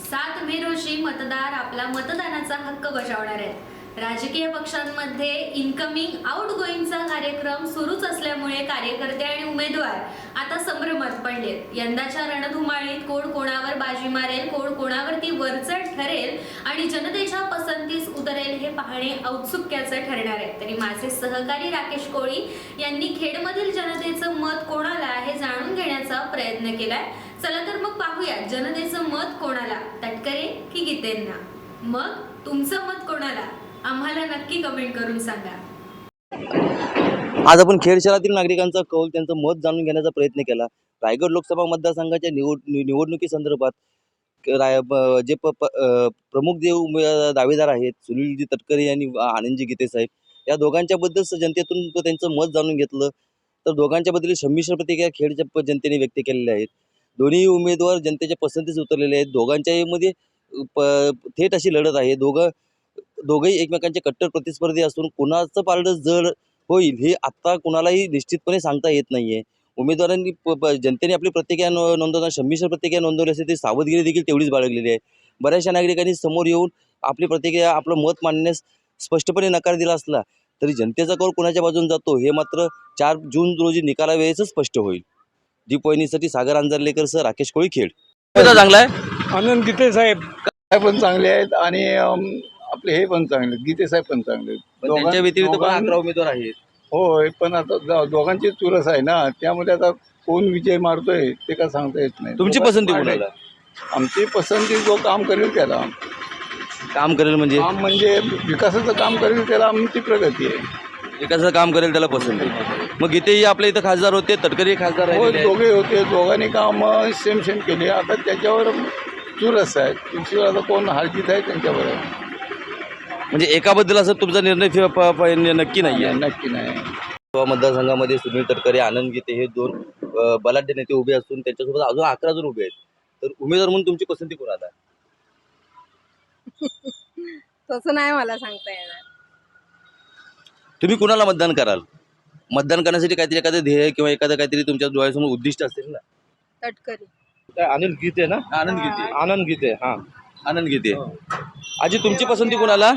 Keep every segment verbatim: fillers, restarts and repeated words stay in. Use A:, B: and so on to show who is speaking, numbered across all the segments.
A: सात मे रोजी मतदार आपला मतदानाचा हक्क बजावणार आहेत। राजकीय पक्षांमध्ये इनकमिंग आउट गोईंगचा कार्यक्रम सुरूच असल्यामुळे कार्यकर्ते आणि उमेदवार आता संभ्रमात पडलेत। यंदाच्या रणधुमाळीत कोण कोणावर बाजी मारेल, कोण कोणावरती वरचढ ठरेल आणि जनतेच्या पसंतीस उतरेल हे पाहणे औत्सुक्याचं ठरणार आहे। तरी माझे सहकारी राकेश कोळी यांनी खेडमधील जनतेचं मत कोणाला हे जाणून घेण्याचा प्रयत्न केलाय। चला तर मग पाहूया जनतेचं मत कोणाला, तटकरे की गीतेंना। मग तुमचं मत कोणाला आम्हाला नक्की कमेंट करून सांगा।
B: आज आपण खेड शहरातील नागरिकांचा कौल, त्यांचं मत जाणून घेण्याचा प्रयत्न केला। रायगड लोकसभा मतदारसंघाच्या निवड निवडणुकीसंदर्भात जे प, प, प्रमुख जे दावेदार आहेत सुनीलजी तटकरे आणि आनंदजी गीते साहेब, या दोघांच्या बद्दल जनतेतून त्यांचं मत जाणून घेतलं तर दोघांच्या बद्दल संमिश्र प्रतिक्रिया खेडच्या जनतेने व्यक्त केलेल्या आहेत। दोन्ही उमेदवार जनतेच्या पसंतीस उतरलेले आहेत। दोघांच्याही मध्ये थेट अशी लढत आहे। दोघं दोघेही एकमेकांचे कट्टर प्रतिस्पर्धी असून कुणाचं पारडं जड होईल हे आता कुणालाही निश्चितपणे सांगता येत नाहीये। उमेदवारांनी जनतेने आपली प्रतिक्रिया नोंदवताना संमिश्र प्रतिक्रिया नोंदवली असेल तरी सावधगिरी देखील तेवढीच बाळगलेली आहे। बऱ्याचशा नागरिकांनी समोर येऊन आपली प्रतिक्रिया, आपलं मत मांडण्यास स्पष्टपणे नकार दिला असला तरी जनतेचा कौल कुणाच्या बाजून जातो हे मात्र चार जून रोजी निकालावेळेस स्पष्ट होईल। दीप वाहिनीसाठी सागर अंजारलेकर सर, राकेश कोळी, खेड। चांगला आहे
C: आनंद गीते साहेब काय पण चांगले आहेत आणि आपले हे पण चांगले, गीते साहेब पण चांगले आहेत।
B: त्यांच्या व्यतिरिक्त पण अकरा उमेदवार आहेत।
C: होय, पण आता दोघांची चुरस आहे ना, त्यामुळे आता कोण विजय मारतोय ते काय सांगता येत नाही।
B: तुमची पसंती कोणाला?
C: आमची पसंती जो काम करेल त्याला।
B: काम करेल म्हणजे
C: काम म्हणजे विकासाचं काम करेल त्याला आमची प्रगती आहे।
B: विकासाचं काम करेल त्याला पसंत आहे। मग गीतेही आपल्या इथं खासदार होते, तटकरे खासदार
C: हो,
B: आहेत,
C: दोघे होते, दोघांनी काम सेम सेम केले। आता त्याच्यावर चुरस आहे, तुमची आता कोण हालजीत आहे त्यांच्यावर आहे।
B: म्हणजे एकाबद्दल असं तुमचा निर्णय नक्की नाही आहे?
C: नक्की नाही।
B: मतदारसंघामध्ये सुनील तटकरे, आनंद गीते हे दोन बलाढ्य नेते उभे असून त्यांच्यासोबत अजून अकरा जण उभे आहेत। तर उमेदवार म्हणून तुमची पसंती कोणाला?
D: तसं नाही मला सांगता येणार।
B: तुम्ही कुणाला मतदान कराल? मतदान करण्यासाठी काहीतरी एखादं ध्येय किंवा एखादं काहीतरी तुमच्या डोळ्यासमोर उद्दिष्ट असेल ना?
D: तटकरी।
E: आनंद गीते ना?
B: आनंद गीते।
E: आनंद गीते, हा
B: आनंद गीते। आजी तुमची पसंती कोणाला?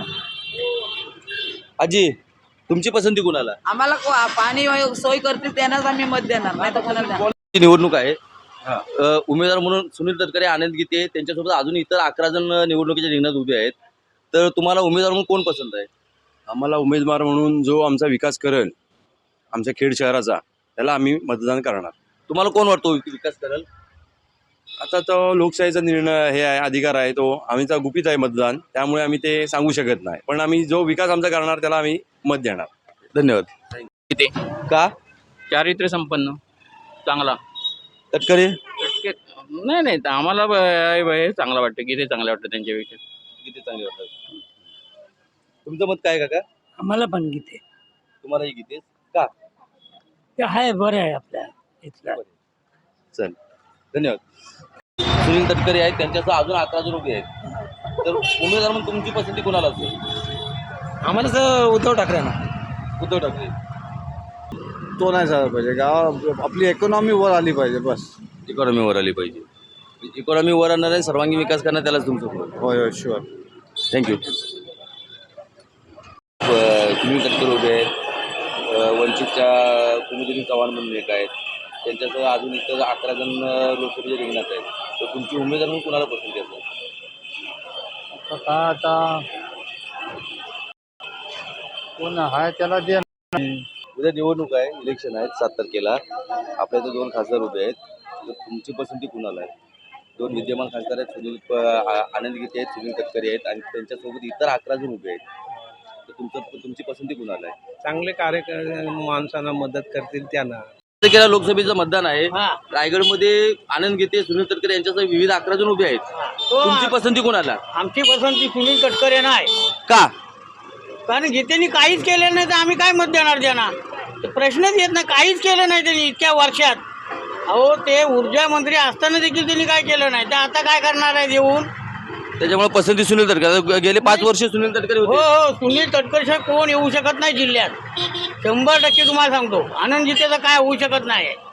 B: आजी तुमची पसंती कोणाला?
F: आम्हाला पाणी सोय करतील त्यांनाच आम्ही मत देणार, नाही तर कोणाला?
B: निवडणूक आहे, उमेदवार म्हणून सुनील तटकरे, आनंद गीते, त्यांच्यासोबत अजून इतर अकरा जण निवडणुकीच्या रिंगणात उभे आहेत। तर तुम्हाला उमेदवार म्हणून कोण पसंत आहे?
E: आम्हाला उमेदवार म्हणून जो आमचा विकास करेल आमच्या खेड शहराचा त्याला आम्ही मतदान करणार।
B: तुम्हाला कोण वाटतो विकास करेल?
E: आता तो लोकशाहीचा निर्णय हे आहे, अधिकार आहे, तो आम्हीचा गुपित आहे मतदान, त्यामुळे आम्ही ते सांगू शकत नाही, पण आम्ही जो विकास आमचा करणार त्याला आम्ही मत देणार।
B: धन्यवाद।
G: गीते
B: का?
G: चारित्र्य संपन्न, चांगला।
B: तटकरे?
G: नाही नाही आम्हाला हे चांगला वाटतं, गीते चांगलं वाटतं त्यांच्यापेक्षा।
B: गीते चांगले वाटतात। तुमचं मत काय काका?
H: आम्हाला पण गीते।
B: तुम्हालाही गीते का?
H: ते आहे, बरं आहे आपल्या इथला।
B: चल धन्यवाद। सुनील तटकरे आहेत, त्यांच्यासह अजून अकरा जण उभे आहेत। तर उमेदवार म्हणून तुमची पसंती कोणाला असेल?
H: आम्हाला तर उद्धव ठाकरे ना।
B: उद्धव ठाकरे।
C: तो नाही झाला पाहिजे, गाव आपली इकॉनॉमी वर आली पाहिजे, बस।
B: इकॉनॉमी वर आली पाहिजे। इकॉनॉमी वर आणणार आहे, सर्वांगीण विकास करणार, त्यालाच तुमचं मत?
C: होय होय, शुअर।
B: थँक्यू। सुनील तटकरे उभे आहेत, वंचितच्या कुमुदिनी चव्हाण म्हणून एक आहेत, त्यांच्यासह अजून इतर अकरा जण लोकसभेच्या रिंगणात आहेत। तर तुमची उमेदवार म्हणून कुणाला पसंती असेल?
C: आता आता कोण आहे त्याला दे।
B: उद्या निवडणूक आहे, इलेक्शन आहेत सात तारखेला। आपल्या इथे दोन खासदार उभे आहेत, तर तुमची पसंती कुणाला आहे? दोन विद्यमान खासदार आहेत, सुनील आनंद गीते आहेत, सुनील तटकरे आहेत आणि त्यांच्यासोबत इतर अकरा जण उभे आहेत। तर तुमचं तुमची पसंती कुणाला आहे?
E: चांगले कार्यकर्ते माणसांना मदत करतील त्यांना।
B: तारखेला लोकसभेचं मतदान आहे। रायगडमध्ये आनंद गीते, सुनील तटकरे यांच्यासह विविध अकरा जण उभे आहेत। तुमची पसंती कोणाला?
H: आमची पसंती सुनील तटकरे नाही।
B: का?
H: कारण गीतेनी काहीच केलं नाही तर आम्ही काय मत देणार त्यांना? प्रश्नच येत नाही, काहीच केलं नाही त्यांनी इतक्या वर्षात। अहो, ते ऊर्जा मंत्री असताना देखील त्यांनी काय केलं नाही, तर आता काय करणार आहे देऊन?
B: त्याच्यामुळे पसंती सुनील तटकरे। गेले पाच वर्ष सुनील तटकरे
H: हो
B: होते।
H: हो, सुनील तटकरे कोण येऊ शकत नाही जिल्ह्यात, शंभर टक्के तुम्हाला सांगतो। आनंद गीतेचं काय होऊ शकत नाही।